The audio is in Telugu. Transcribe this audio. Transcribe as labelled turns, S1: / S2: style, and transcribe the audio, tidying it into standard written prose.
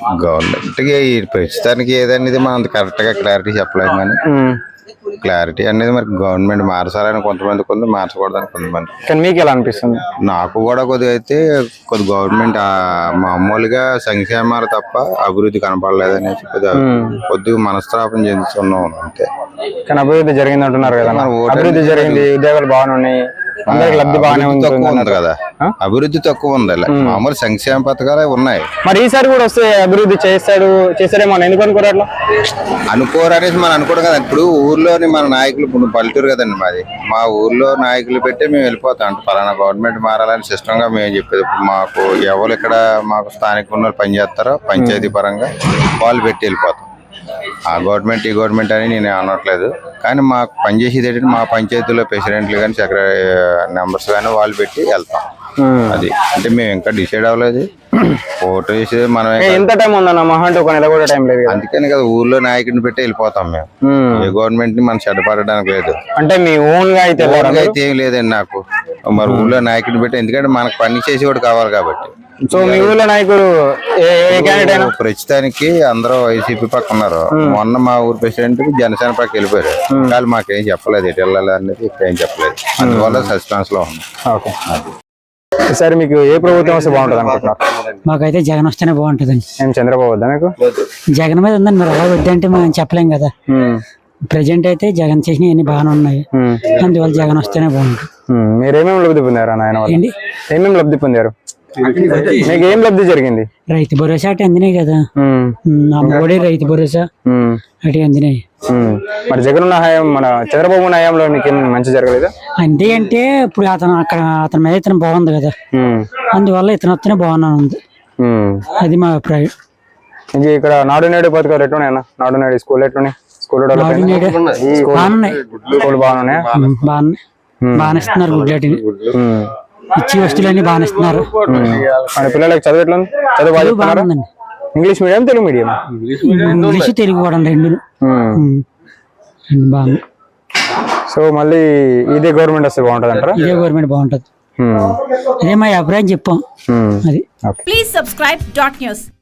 S1: గవర్నమెంట్కి ఈ ప్రస్తుతానికి ఏదనేది మనం అంత కరెక్ట్గా క్లారిటీ చెప్పలేము కానీ క్లారిటీ అనేది మరి గవర్నమెంట్ మార్చాలని కొంతమంది కొంత మార్చకూడదని కొంతమంది.
S2: కానీ మీకు ఎలా అనిపిస్తుంది?
S1: నాకు కూడా కొద్దిగా అయితే కొద్ది గవర్నమెంట్ మామూలుగా సంక్షేమాలు తప్ప అభివృద్ధి కనపడలేదనేసి కొద్దిగా మనస్తాపం చెందుతున్నాం అంతే.
S2: కానీ అభివృద్ధి జరిగింది అంటున్నారు కదా, అభివృద్ధి జరిగింది, ఉద్యోగాలు బాగానే ఉన్నాయి, అందరికి లబ్ధి బాగానే ఉంది
S1: కదా. అభివృద్ధి తక్కువ ఉంది, మామూలు సంక్షేమ పథకాలే ఉన్నాయి.
S2: మరి ఈసారి కూడా వస్తే అభివృద్ధి చేస్తాడేమో ఎందుకు అనుకోరు అట్లా?
S1: అనుకోరనేసి మనం అనుకోవడం కదా. ఇప్పుడు ఊర్లోని మన నాయకులు, ఇప్పుడు పల్లెటూరు కదండి మాది, మా ఊర్లో నాయకులు పెట్టి మేము వెళ్ళిపోతాం అంటే పలానా గవర్నమెంట్ మారాలని సిస్టమ్ గా మేము చెప్పేది. ఇప్పుడు మాకు ఎవరు ఇక్కడ మాకు స్థానిక ఉన్న పనిచేస్తారో పంచాయతీ పరంగా వాళ్ళు పెట్టి వెళ్ళిపోతాం. ఆ గవర్నమెంట్ ఈ గవర్నమెంట్ అని నేను అనట్లేదు, కానీ మాకు పనిచేసేది ఏంటంటే మా పంచాయతీలో ప్రెసిడెంట్లు కానీ సెక్రటరీ మెంబర్స్ కానీ వాళ్ళు పెట్టి వెళ్తాం. అది అంటే మేము ఇంకా డిసైడ్ అవ్వలేదు. ఓటు వేసి మనం
S2: ఎంత టైం ఉందన్న మహా అంటే ఒక నెల కూడా టైం లేదు.
S1: అందుకని కదా ఊర్లో నాయకుడిని పెట్టి వెళ్ళిపోతాం మేము. ఏ గవర్నమెంట్ ని మనం చెడ్డపడడానికి లేదు.
S2: అంటే మీ ఓన్ గా అయితే
S1: ఏం లేదండి నాకు. మరి ఊర్లో నాయకుడిని పెట్టి, ఎందుకంటే మనకు పని చేసేవాడు కావాలి కాబట్టి.
S2: సో మీ ఊర్లో నాయకుడు
S1: ప్రస్తుతానికి అందరూ వైసీపీ పక్క ఉన్నారు. మొన్న మా ఊరు ప్రెసిడెంట్ జనసేన పక్క వెళ్ళిపోయారు. కానీ మాకేం చెప్పలేదు ఎటు వెళ్ళాలి అనేది, ఏం చెప్పలేదు. అందువల్ల సస్పెన్స్ లో ఉంది.
S2: ఈసారి మీకు ఏ ప్రభుత్వం వస్తే బాగుంటుంది అనుకుంటున్నారు?
S3: మాకైతే జగన్ వస్తేనే బాగుంటుందండి.
S2: ఏం చంద్రబాబు వద్దా మీకు?
S3: జగన్ మీద ఉందండి, మరి అలా వద్దంటే మనం చెప్పలేం కదా. ప్రజెంట్ అయితే జగన్ చేసినవి అన్ని బాగానే ఉన్నాయి, అందువల్ల జగన్ వస్తేనే బాగుంటుంది.
S2: మీరేమేమి లబ్ధి పొందారు ఆయన? ఏమేమి లబ్ధి పొందారు? మీకు ఏం లబ్ధి జరిగింది?
S3: రైతు భరోసా అటు అందినాయి కదా, అమ్మఒడి రైతు భరోసా అటు అందినాయి.
S2: మరి జగన్ హయాం, మన చంద్రబాబు హయాంలో మీకు ఏం మంచి జరగలేదా?
S3: అంతే అంటే ఇప్పుడు అతని మీద ఇతను బాగుంది కదా, అందువల్ల ఇతను వస్తేనే బాగున్నా ఉంది. అది మా అభిప్రాయం.
S2: ఇంక ఇక్కడ నాడు నేడు పథకాలు ఎట్లున్నాయన్న? నాడు నేడు స్కూల్ ఎట్లున్నాయి? స్కూల్
S3: బాగున్నాయి,
S2: బాగున్నాయి,
S3: బాగానే ఇస్తున్నారు. గుడ్లటిని ఇచ్చి వస్తువులన్నీ బాగానే ఇస్తున్నారు.
S2: పిల్లలకి చదువు ఎట్లుంది? చదువు బాగుందండి. English medium, Telugu medium?
S3: English Telugu కూడా రెండు బాగుంది.
S2: సో మళ్ళీ ఇదే గవర్నమెంట్ వస్తే బాగుంటుంది అంటారా?
S3: ఇదే గవర్నమెంట్ బాగుంటది, అదే మా అభిప్రాయం చెప్పాం. అది
S4: ప్లీజ్ సబ్స్క్రైబ్ డాట్ న్యూస్.